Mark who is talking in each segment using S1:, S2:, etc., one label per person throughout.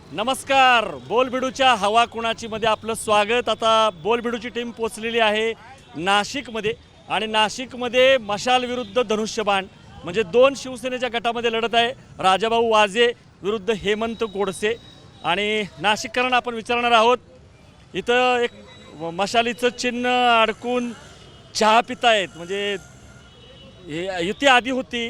S1: नमस्कार. बोलबिडूच्या हवा कुणाची मध्ये आपलं स्वागत. आता बोलबिडूची टीम पोचलेली आहे नाशिकमध्ये आणि नाशिकमध्ये मशाल विरुद्ध धनुष्यबाण म्हणजे दोन शिवसेनेच्या गटामध्ये लढत आहे. राजाभाऊ वाजे विरुद्ध हेमंत गोडसे. आणि नाशिककरांना आपण विचारणार आहोत, इथं एक मशालीचं चिन्ह अडकून चहा पितायत, म्हणजे युती आधी होती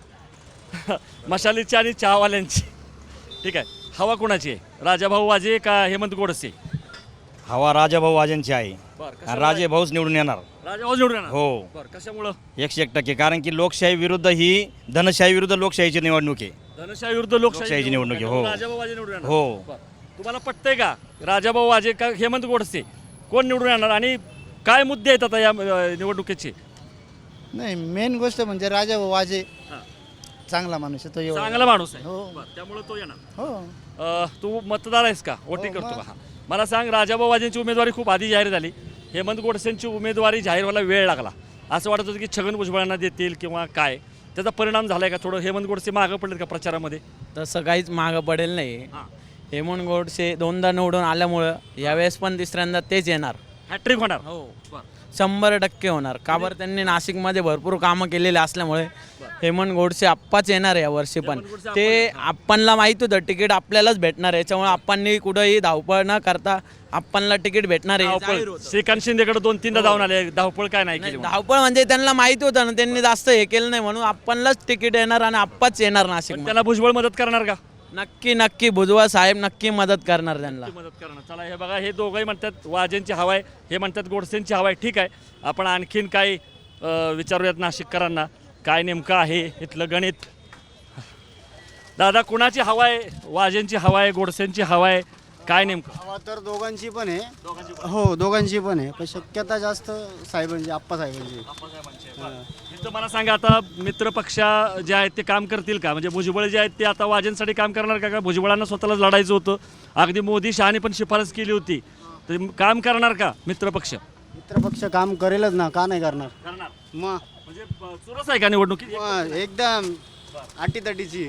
S1: मशालीची आणि चहावाल्यांची. ठीक आहे, हवा कोणाची आहे, राजाभाऊ वाजे का हेमंत गोडसे?
S2: हवा राजाभाऊ वाजेंची आहे.
S1: बरं,
S2: राजे भाऊच निवडून येणार.
S1: राजाभाऊ निवडून येणार?
S2: हो.
S1: बरं, कशामुळं?
S2: 101% कारण की लोकशाही विरुद्ध ही धनशाही विरुद्ध लोकशाहीची निवडणूक आहे.
S1: धनशाही विरुद्ध लोकशाहीची
S2: निवडणूक आहे. हो.
S1: राजाभाऊ वाजे निवडून येणार?
S2: हो.
S1: बरं. तुम्हाला पटतंय का राजाभाऊ वाजे का हेमंत गोडसे, कोण निवडून येणार आणि काय मुद्दे आहेत आता या निवडणुकीचे?
S3: नाही, मेन गोष्ट म्हणजे राजा वाजे
S1: हां.
S3: चांगला माणूस आहे तो. एवढा
S1: चांगला माणूस आहे.
S3: हो.
S1: बरं, त्यामुळे तो येणार.
S3: हो.
S1: तू मतदार आहेस का, वोटिंग
S3: हो,
S1: करतो
S3: मग.
S1: का? मला सांग, राजाभाऊ वाजेंची उमेदवारी खूप आधी जाहीर झाली, हेमंत गोडसेंची उमेदवारी जाहीर व्हायला वेळ लागला. असं वाटत होतं की छगन भुजबळांना देतील किंवा काय, त्याचा परिणाम झालाय का? थोडं हेमंत गोडसे मागं पडलेत का प्रचारामध्ये?
S4: तसं काहीच मागं पडेल नाही.
S1: हां.
S4: हेमंत गोडसे दोनदा निवडून आल्यामुळं यावेळेस पण तिसऱ्यांदा तेच येणार.
S1: हॅट्रिक होणार.
S4: हो,
S1: बरं.
S4: 100% होणार. का बरं, त्यांनी नाशिकमध्ये भरपूर कामं केलेले असल्यामुळे हेमंत गोडसे आप्पाच येणार आहे यावर्षी पण.
S1: हेमंत गोडसे
S4: ते आपणला माहीत होतं तिकीट आपल्यालाच भेटणार आहे, याच्यामुळे आपणनी कुठंही धावपळ न करता आपणला तिकीट भेटणार आहे. जाहीर
S1: धावपळ
S4: होतं.
S1: श्रीकांत शिंदेकडे 2-3दा जाऊन आले, धावपळ काय नाही
S4: नाही,
S1: केली.
S4: धावपळ म्हणजे त्यांना माहिती होतं ना, त्यांनी जास्त हे केलं नाही म्हणून आपणलाच तिकीट येणार आणि आप्पाच येणार नाशिक.
S1: त्याला भुजबळ मदत करणार का?
S4: नक्की नक्की भुजबळ साहेब नक्की मदत करणार त्यांना.
S1: मदत करणार. चला, हे बघा, हे दोघंही म्हणतात वाजेंची हवा आहे, हे म्हणतात गोडसेंची हवा आहे. ठीक आहे, आपण आणखीन काय विचारूयात नाशिककरांना, काय नेमकं आहे इथलं गणित. दादा, कुणाची हवा आहे? वाजेंची हवा आहे, गोडसेंची हवा आहे, काय नेमकं?
S3: हवा तर दोघांची पण आहे. हो, दोघांची पण आहे, पण शक्यता जास्त साहेबांची, आप्पा साहेबांची.
S1: इथं मला सांगा, आता मित्र पक्ष जे आहेत ते काम करतील का? म्हणजे भुजबळ जे आहेत ते आता वाजेंसाठी काम करणार का? भुजबळांना स्वतःलाच लढायचं होतं, अगदी मोदी शहाने पण शिफारस केली होती, तर काम करणार का मित्र पक्ष?
S3: मित्रपक्ष काम करेलच ना, का नाही करणार?
S1: करणार.
S3: मग
S1: म्हणजे चुरस आहे का निवडणुकीत?
S3: एकदम अटीतटीची.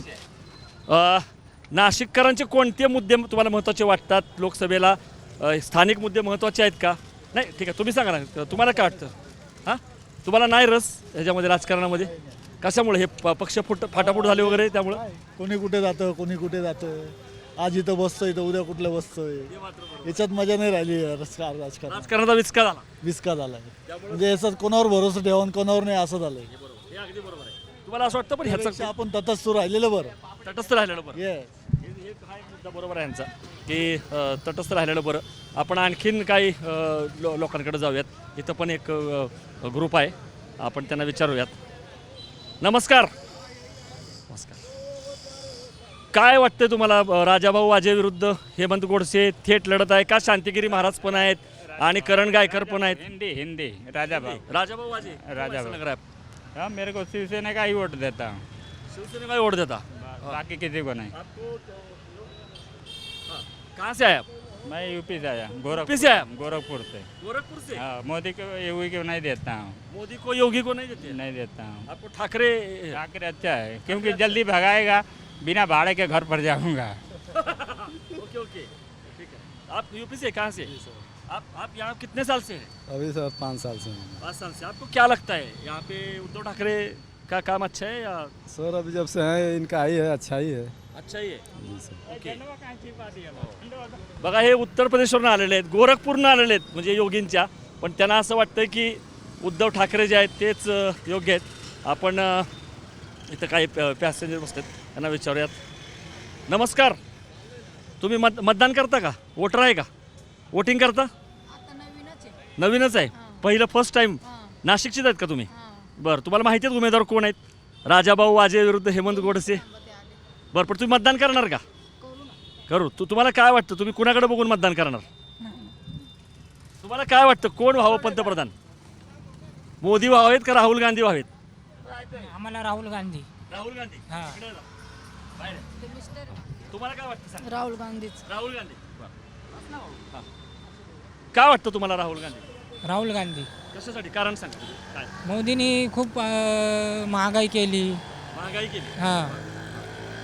S1: नाशिककरांचे कोणते मुद्दे तुम्हाला महत्त्वाचे वाटतात लोकसभेला? स्थानिक मुद्दे महत्त्वाचे आहेत का? नाही, ठीक आहे, तुम्ही सांगा ना, तुम्हाला काय वाटतं? हां, तुम्हाला नाही रस ह्याच्यामध्ये, राजकारणामध्ये? कशामुळे हे पक्ष फाटाफूट झाले वगैरे त्यामुळं?
S5: कोणी कुठे जातं, कोणी कुठे जातं. आज इथं बसतोय तर उद्या कुठलं बसतोय. याच्यात मजा नाही राहिली. राजकारण
S1: राजकारणाचा विस्कार झाला.
S5: विस्का झालाय. म्हणजे याच्यात कोणावर भरोसा ठेवा आणि कोणावर नाही असं झालंय.
S1: हे अगदी बरोबर आहे. तुम्हाला असं वाटतं पण ह्याचं
S5: त्यापेक्षा आपण तटस्थ राहिलेलं बरं.
S1: तटस्थ राहिलेलं बरं?
S5: येस.
S1: हे हा एक मुद्दा बरोबर आहे यांचा, की तटस्थ राहिलेलं बरं. आपण आणखीन काही लोकांकडे जाऊयात. इथं पण एक ग्रुप आहे, आपण त्यांना विचारूयात. नमस्कार. नमस्कार. काय वाटतंय तुम्हाला, राजाभाऊ वाजे विरुद्ध हेमंत गोडसे थेट लढत आहे का? शांतिगिरी महाराज पण आहेत आणि करण गायकर पण आहेत.
S6: हिंदी हिंदी राजाभाऊ
S1: राजाभाऊ वाजे,
S6: राजाभाऊ.
S1: कैसा लग रहा है?
S6: हाँ मेरे को शिवसेना का ही वोट देता हूँ,
S1: शिवसेना का ही वोट देता?
S6: बाकी किसी को नहीं।
S1: आपको कहाँ से आए आप?
S6: मैं यूपी से आया,
S1: यूपी से आया?
S6: गोरखपुर से।
S1: गोरखपुर से?
S6: हाँ, मोदी को योगी को नहीं देता हूँ,
S1: मोदी को योगी को नहीं देते?
S6: नहीं देता हूँ।
S1: आपको ठाकरे?
S6: ठाकरे अच्छा है क्योंकि जल्दी भगाएगा, बिना भाड़े के घर पर जाऊँगा।
S1: ओके ओके, ठीक है। आप यूपी से कहाँ से? आप यहाँ कितने साल से हैं?
S5: अभी सर 5 साल से.
S1: 5 साल से। आपको क्या लगता है यहाँ पे उद्धव ठाकरे का काम अच्छा है या
S5: सर अभी जब से है इनका ही है, अच्छा ही है.
S1: अच्छा ही आहे? ओके. बघा, हे उत्तर प्रदेशवरून आलेले आहेत, गोरखपूरनं आलेले आहेत, म्हणजे योगींच्या. पण त्यांना असं वाटतं की उद्धव ठाकरे जे आहेत तेच योग्य आहेत. आपण इथं काही पॅसेंजर बसतात, त्यांना विचारूयात. नमस्कार. तुम्ही मतदान करता का? वोटर आहे का? वोटिंग करता? नवीनच आहे, पहिलं फर्स्ट टाइम. नाशिकचीच आहेत का तुम्ही? बरं, तुम्हाला माहिती आहेत उमेदवार कोण आहेत? राजाभाऊ वाजे विरुद्ध हेमंत गोडसे. बरं, पण तुम्ही मतदान करणार का? करू. तुम्हाला काय वाटतं, तुम्ही कुणाकडे बघून मतदान करणार? तुम्हाला काय वाटतं, कोण व्हावं पंतप्रधान? मोदी व्हावेत का राहुल गांधी व्हावेत?
S7: आम्हाला राहुल गांधी.
S1: राहुल गांधी.
S7: हां.
S1: इकडे जा. बाहेर आहे. तुम्हाला काय वाटतं सांगा?
S7: राहुल गांधीच.
S1: राहुल गांधी. हां. काय वाटतं तुम्हाला राहुल गांधी?
S7: राहुल गांधी.
S1: कशासाठी? कारण सांगा काय?
S7: मोदींनी खूप महागाई केली.
S1: महागाई केली.
S7: हां.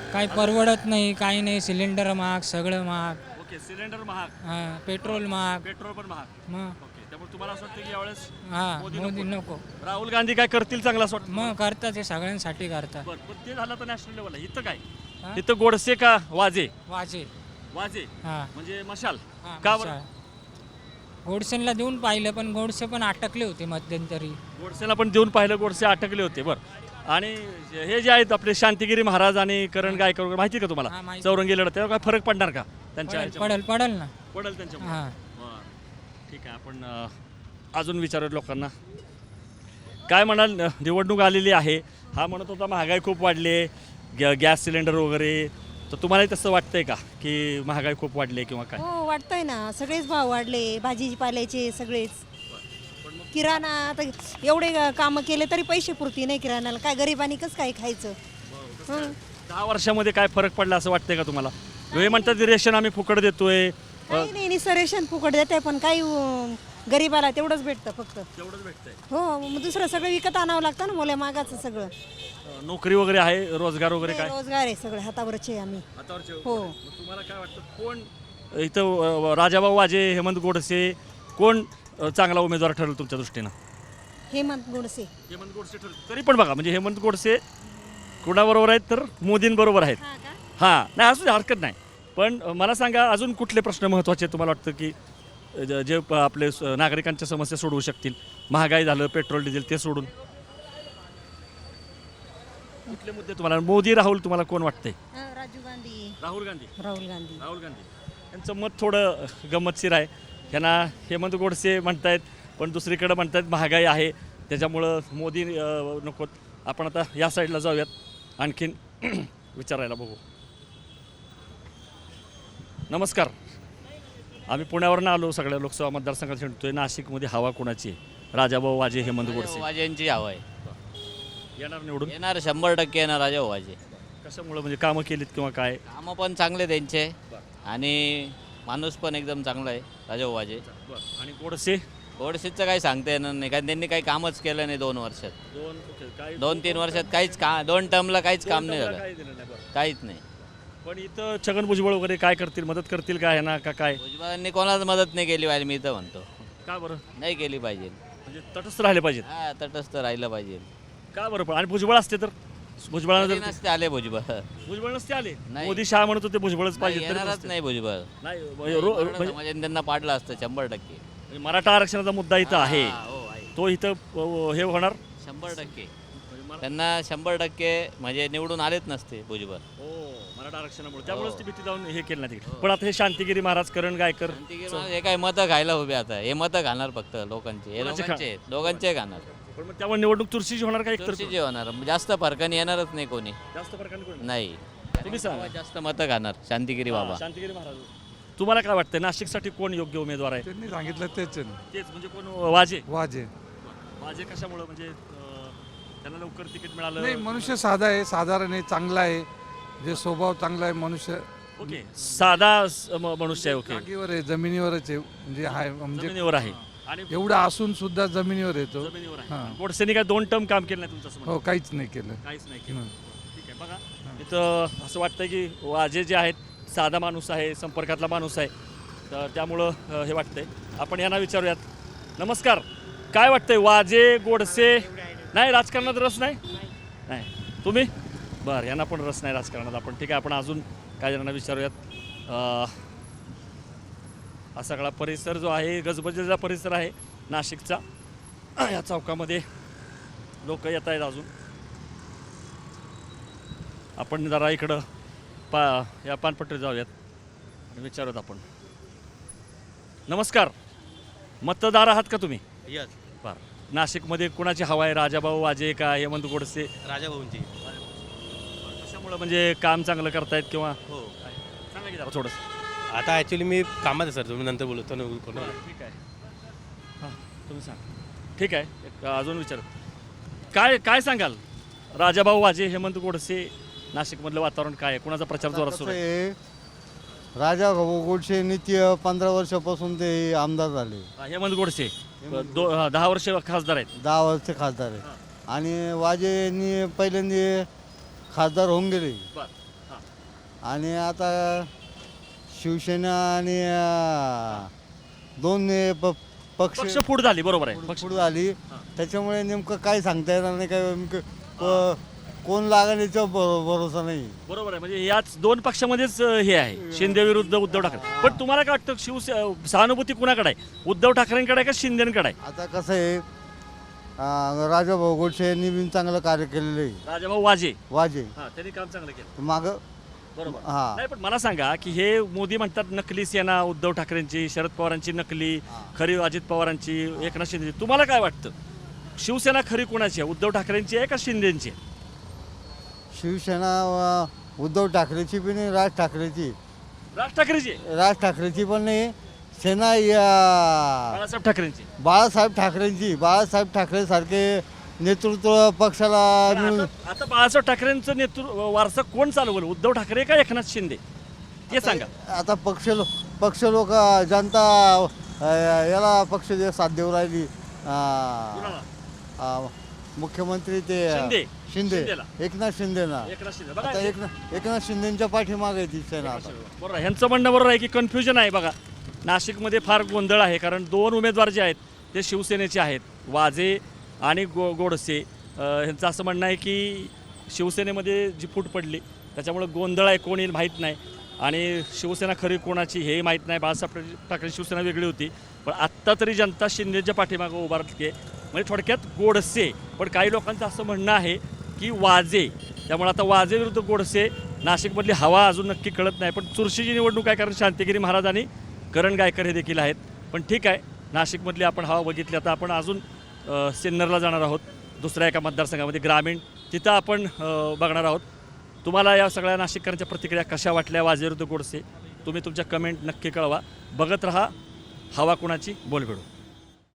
S7: काही परवडत नाही, काही नाही. सिलेंडर महाग, सगळं महाग.
S1: ओके, सिलेंडर महाग,
S7: हां, पेट्रोल महाग.
S1: पेट्रोल पण महाग.
S7: मग
S1: ओके, त्यामुळे तुम्हाला असं वाटतं की यावेळेस
S7: हां,
S1: मोदी
S7: मोदी
S1: नको.
S7: नको.
S1: राहुल गांधी काय करतील चांगलं असं वाटतं?
S7: मग करतात, ते सगळ्यांसाठी करतात.
S1: बरं, पण ते झालं तर नॅशनल लेवलला. इथं काय?
S7: हा?
S1: इथं गोडसे का वाजे?
S7: वाजे.
S1: वाजे
S7: हां
S1: म्हणजे मशाल.
S7: हां,
S1: का बरं?
S7: अच्छा. गोडसेंना देऊन पाहिलं, पण गोडसे पण अटकले होते मध्यंतरी.
S1: गोडसेला पण देऊन पाहिलं, गोडसे अटकले होते. बरं, आणि हे जे आहेत आपले शांतिगिरी महाराज आणि करण गायकवाड वगैरे, माहिती का तुम्हाला?
S7: हां, माहिती.
S1: चौरंगी लढत, त्यावर काय फरक पडणार का त्यांच्या
S7: पडेल
S1: ह्याच्यामध्ये?
S7: पडेल पडेल ना.
S1: पडेल त्यांच्यामुळे.
S7: हां.
S1: बरं, ठीक आहे. आपण अजून विचारूयात लोकांना. काय म्हणाल? निवडणूक आलेली आहे, हा म्हणत होता महागाई खूप वाढली आहे, गॅस सिलेंडर वगैरे, तर तुम्हालाही तसं वाटतंय का की महागाई खूप वाढली आहे किंवा काय?
S8: हो वाटतंय ना, सगळेच भाव वाढले, भाजीपाल्याचे सगळेच. किराणा आता एवढे कामं केले तरी पैसे पुरती नाही किराणाला, काय गरिबांनी कसं काय खायचं? हं.
S1: 10 वर्षामध्ये काय फरक पडला असं वाटतंय का तुम्हाला? हे म्हणतात रेशन आम्ही फुकट देतोय.
S8: काही नाही, निसं रेशन फुकट देते, पण काही गरिबाला तेवढंच भेटतं फक्त.
S1: तेवढंच भेटतंय.
S8: हो, मग दुसरं सगळं विकत आणावं लागतं ना, मोल्या मागाचं सगळं.
S1: नोकरी वगैरे आहे, रोजगार वगैरे काय?
S8: रोजगार आहे सगळं हातावरचे आहे आम्ही. हो.
S1: मग तुम्हाला काय वाटतं, कोण इथं राजाभाऊ वाजे, हेमंत गोडसे, कोण चांगला उमेदवार ठरेल तुमच्या दृष्टीनं?
S8: हेमंत गोडसे.
S1: हेमंत गोडसे ठरेल. तरी पण बघा, म्हणजे हेमंत गोडसे कुणाबरोबर आहेत तर मोदींबरोबर आहेत. हां, नाही असू दे, हरकत नाही. पण मला सांगा, अजून कुठले प्रश्न महत्त्वाचे तुम्हाला वाटतं की जे आपले नागरिकांच्या समस्या सोडवू शकतील? महागाई झालं, पेट्रोल डिझेल, ते सोडून कुठले मुद्दे तुम्हाला? मोदी, राहुल, तुम्हाला कोण वाटतंय?
S8: राजीव गांधी.
S1: राहुल गांधी.
S8: राहुल गांधी.
S1: राहुल गांधी यांचं मत थोडं गंमतशीर आहे. ह्यांना हेमंत गोडसे म्हणतायत, पण दुसरीकडे म्हणतायत महागाई आहे त्याच्यामुळं मोदी नकोत. आपण आता या साईडला जाऊयात, आणखीन विचारायला बघू. नमस्कार, आम्ही पुण्यावरनं आलो, सगळ्या लोकसभा मतदारसंघात हिंडतोय. नाशिकमध्ये हवा कोणाची आहे? राजाभाऊ वाजे, हेमंत गोडसे.
S9: वाजेंची हवा आहे.
S1: येणार निवडून?
S9: येणार 100% येणार राजाभाऊ वाजे.
S1: कशामुळं? म्हणजे कामं केलीत किंवा काय?
S9: कामं पण चांगले त्यांचे आणि माणूस पण एकदम चांगला आहे राजाभाऊ वाजे.
S1: आणि गोडसे?
S9: गोडसेचं काही सांगता येणार नाही, कारण त्यांनी काही कामच केलं नाही 2 वर्षात. 2-3 वर्षात काहीच 2 टर्मला काहीच काम नाही झालं, काहीच नाही.
S1: पण इथं छगन भुजबळ वगैरे काय करतील? मदत करतील का ह्यांना का काय?
S9: भुजबळांनी कोणाला मदत नाही केली पाहिजे, मी तर म्हणतो.
S1: का बरं?
S9: नाही केली पाहिजे.
S1: म्हणजे तटस्थ राहिले पाहिजेत.
S9: हा, तटस्थ राहिलं पाहिजे.
S1: का बरं? पण आणि भुजबळ असते तर? भुजबळाला
S9: कधी
S1: जर
S9: नसते आले भुजबळ.
S1: भुजबळ नसते आले,
S9: नाही.
S1: मोदी शहा म्हणत होते भुजबळच पाहिजे, तरी
S9: येणारच
S1: नसते.
S9: नाही भुजबळ.
S1: नाही,
S9: समाजाने त्यांना पाडलं असतं 100%.
S1: म्हणजे मराठा आरक्षणाचा मुद्दा इथं आहे,
S9: हो, आहे.
S1: तो इथं हे होणार.
S9: 100% त्यांना 100% म्हणजे निवडून आलेच नसते भुजबळ.
S1: मराठा आरक्षणामुळे, त्यामुळेच ती भीती जाऊन हे केलं नाही. पण आता हे शांतिगिरी महाराज, करण गायकर,
S9: हे काय मतं खायला उभे आता, हे मतं खाणार फक्त लोकांचे, हे
S1: कोणाचे
S9: लोकांचे आहेत, दोघांचे खाणार.
S1: पण मग त्यामुळे निवडणूक चुरशीची होणार का? एकतर
S9: चुरशीचे होणार, जास्त फरकाने येणारच नाही कोणी.
S1: जास्त फरकाने कोण?
S9: नाही,
S1: तुम्ही सांगा.
S9: जास्त मतं खाणार शांतिगिरी बाबा.
S1: शांतिगिरी महाराज. तुम्हाला काय वाटतं, नाशिकसाठी कोण योग्य उमेदवार आहे?
S5: त्यांनी सांगितलं तेच
S1: तेच म्हणजे कोण? वाजे.
S5: वाजे.
S1: वाजे कशामुळं? म्हणजे त्यांना लवकर तिकीट
S5: नाही,
S1: मिळालं?
S5: मनुष्य साधा आहे, साधारण आहे, चांगला आहे, जे स्वभाव चांगला आहे, मनुष्य
S1: ओके, साधा मनुष्य आहे. ओके,
S5: जागेवर आहे, जमिनीवरच आहे, म्हणजे हाय, म्हणजे
S1: जमिनीवर आहे. आणि
S5: एवढा असून सुद्धा जमिनीवर येतो.
S1: जमिनीवर आहे.
S5: हां.
S1: गोडसेनी काय 2 टर्म काम केलं नाही तुमचं असं म्हणणं?
S5: हो, काहीच नाही केलं.
S1: काहीच नाही केलं.
S5: हं.
S1: ठीक आहे, बघा इथं असं वाटतं की वाजे जे आहेत साधा माणूस आहे, संपर्कातला माणूस आहे, तर त्यामुळं हे वाटतंय. आपण यांना विचारूयात. नमस्कार, काय वाटतंय, वाजे, गोडसे? नाही, राजकारणात रस नाही? नाही. तुम्ही? बरं, यांना पण रस नाही राजकारणात. आपण ठीक आहे, आपण अजून काय जणांना विचारूयात. हा सगळा परिसर जो आहे, गजबजलेला परिसर आहे नाशिकचा. या चौकामध्ये लोक येत आहेत अजून. आपण जरा इकडं या पानपट्टीवर जाऊयात आणि विचारूयात आपण. नमस्कार, मतदार आहात का तुम्ही?
S2: यस,
S1: बरं, नाशिकमध्ये कुणाची हवा आहे? राजाभाऊ वाजे का हेमंत गोडसे?
S2: राजाभाऊंची.
S1: कशामुळं? म्हणजे काम चांगलं करतायत किंवा
S2: हो.
S1: सांगा की जरा थोडंसं.
S10: आता ॲक्च्युली मी कामात आहे सर, तुम्ही नंतर बोलतो ना.
S1: ठीक आहे, हां तुम्ही सांगा. ठीक आहे, एक अजून विचार. काय सांगाल, राजाभाऊ वाजे, हेमंत गोडसे, नाशिकमधलं वातावरण काय आहे? कुणाचा प्रचार जोरात सुरू आहे?
S3: राजा गोडसे नित्य 15 वर्षापासून ते आमदार झाले,
S1: हेमंत गोडसे 10 वर्ष खासदार आहेत.
S3: 10 वर्ष खासदार आहे. आणि वाजे यांनी पहिल्यांदा खासदार होऊन गेले.
S1: बरं, हां.
S3: आणि आता शिवसेना आणि दोन
S1: पक्ष फूट झाली, बरोबर आहे. पक्ष
S3: पुढे आली, त्याच्यामुळे नेमकं काय सांगता येणार नाही, काय नेमकं कोण लागेल याचा भरोसा नाही.
S1: बरोबर आहे. म्हणजे याच दोन पक्षामध्येच हे आहे, शिंदे विरुद्ध उद्धव ठाकरे. पण तुम्हाला काय वाटतं, सहानुभूती कुणाकडे आहे, उद्धव ठाकरेंकडे आहे का शिंदेकडे आहे?
S3: आता कसं आहे, राजाभाऊ गोडसे यांनी बी चांगलं कार्य केलेलं आहे.
S1: राजाभाऊ वाजे,
S3: वाजे
S1: त्यांनी काम चांगलं केलं,
S3: मागं
S1: बरोबर.
S3: हा.
S1: नाही, पण मला सांगा की हे मोदी म्हणतात नकली सेना उद्धव ठाकरेंची, शरद पवारांची नकली, खरी अजित पवारांची, एकनाथ शिंदेची. तुम्हाला काय वाटतं, शिवसेना खरी कोणाची आहे, उद्धव ठाकरेंची आहे का शिंदेची आहे?
S3: शिवसेना उद्धव ठाकरेची पण नाही, राज ठाकरेची
S1: राज ठाकरेची
S3: पण नाही. सेना
S1: बाळासाहेब ठाकरेंची.
S3: बाळासाहेब ठाकरे सारखे नेतृत्व पक्षाला मिळून.
S1: आता बाळासाहेब ठाकरेंचं नेतृत्व वारसा कोण चालवलं, उद्धव ठाकरे का एकनाथ शिंदे, हे सांगा.
S3: आता पक्ष लोक जनता याला पक्ष साथ देऊ राहिली. मुख्यमंत्री ते शिंदे,
S1: शिंदेला.
S3: एकनाथ शिंदेना.
S1: एकनाथ शिंदे बघा,
S3: आता एकनाथ शिंदेच्या पाठीमागे आहे ती सेना आता.
S1: बरोबर आहे. ह्यांचं म्हणणं बरोबर आहे की कन्फ्युजन आहे. बघा, नाशिकमध्ये फार गोंधळ आहे, कारण दोन उमेदवार जे आहेत ते शिवसेनेचे आहेत, वाजे आणि गोडसे. ह्यांचं असं म्हणणं आहे की शिवसेनेमध्ये जी फूट पडली त्याच्यामुळे गोंधळ आहे, कोण येईल माहीत नाही, आणि शिवसेना खरी कोणाची हे माहीत नाही. बाळासाहेब ठाकरे शिवसेना वेगळी होती, पण आत्ता तरी जनता शिंदेच्या पाठीमागं उभारली आहे. म्हणजे थोडक्यात गोडसे. पण काही लोकांचं असं म्हणणं आहे की वाजे, त्यामुळे आता वाजे विरुद्ध गोडसे. नाशिकमधली हवा अजून नक्की कळत नाही, पण चुरशीची निवडणूक आहे, कारण शांतिगिरी महाराज आणि करण गायकर हे देखील आहेत. पण ठीक आहे, नाशिकमधली आपण हवा बघितली. आता आपण अजून सिन्नरला जाणार आहोत, दुसऱ्या एका मतदारसंघामध्ये ग्रामीण, तिथं आपण बघणार आहोत. तुम्हाला या सगळ्या नाशिककरांच्या प्रतिक्रिया कशा वाटल्या वाजे विरुद्ध गोडसे, तुम्ही तुमच्या कमेंट नक्की कळवा. बघत रहा हवा कुणाची, बोलबेडू.